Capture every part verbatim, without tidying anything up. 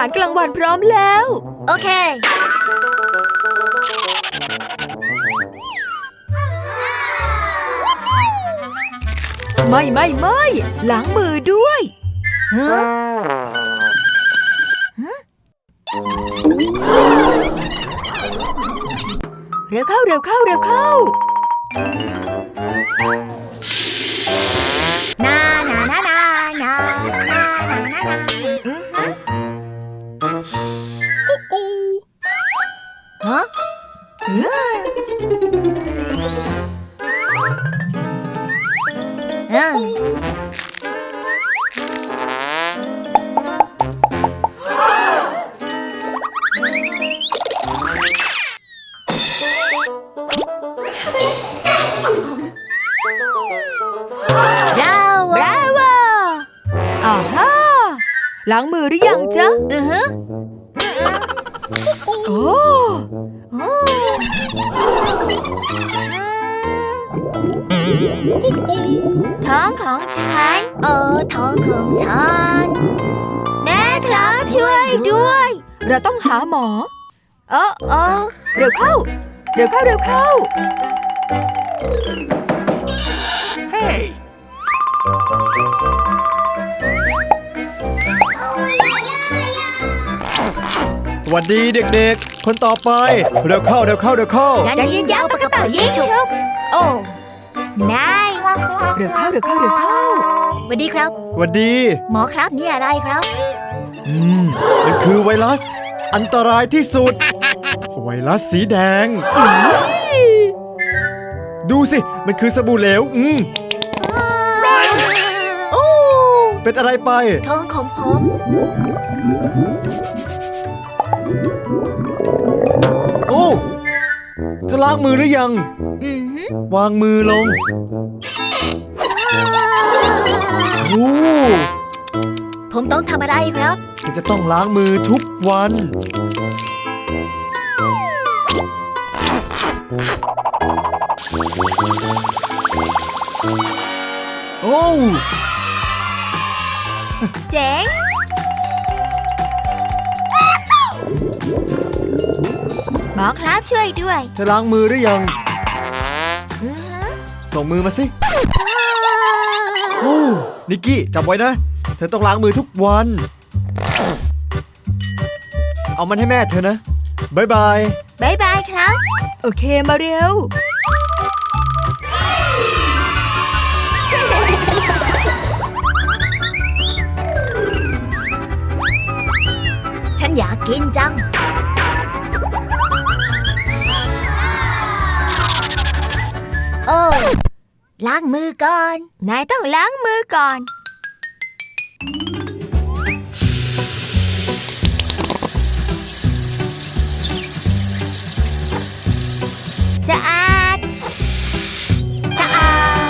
ารกลางวันพร้อมแล้วโอเคไม่ไม่ไม่ล้างมือด้วยฮะเร็วเข้าเร็วเข้าเร็วเข้านานานานานานานานาฮะเออบราโวอ่าฮะล้างมือหรือยังจ๊ะอือฮะโอ้ท้องของฉันเออท้องของฉันแม่ครับช่วยด้วยเราต้องหาหมอเออเออเร็วเข้าเร็วเข้าเร็วเข้าเฮ้สวัสดีเด็กๆคนต่อไปเร็วเข้าเร็วเข้าเร็วเข้ายันยินยาวปากกระเป๋ายิงชุบโอ้นายเร็วเข้าเร็วเข้าเร็วเข้าสวัสดีครับสวัสดีหมอครับนี่อะไรครับอืมมันคือไวรัสอันตรายที่สุดไวรัสสีแดงดูสิมันคือสบู่เหลวอืมโอ้เป็นอะไรไปท้องของผมโอ้เธอล้างมือหรือยังวางมือลงโอ้ผมต้องทำอะไรครับเธอจะต้องล้างมือทุกวันโอ้เจ๋งหมอครับช่วยด้วยเธอล้างมือหรือยังส่งมือมาสิโอ้นิกกี้จำไว้นะเธอต้องล้างมือทุกวันเอามันให้แม่เธอนะบายบายบายบายครับโอเคมาเร็วฉันอยากกินจังโอ้ล้างมือก่อนนายต้องล้างมือก่อนสะอาดสะอาด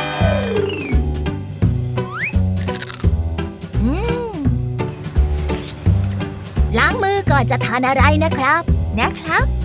อืมล้างมือก่อนจะทานอะไรนะครับนะครับ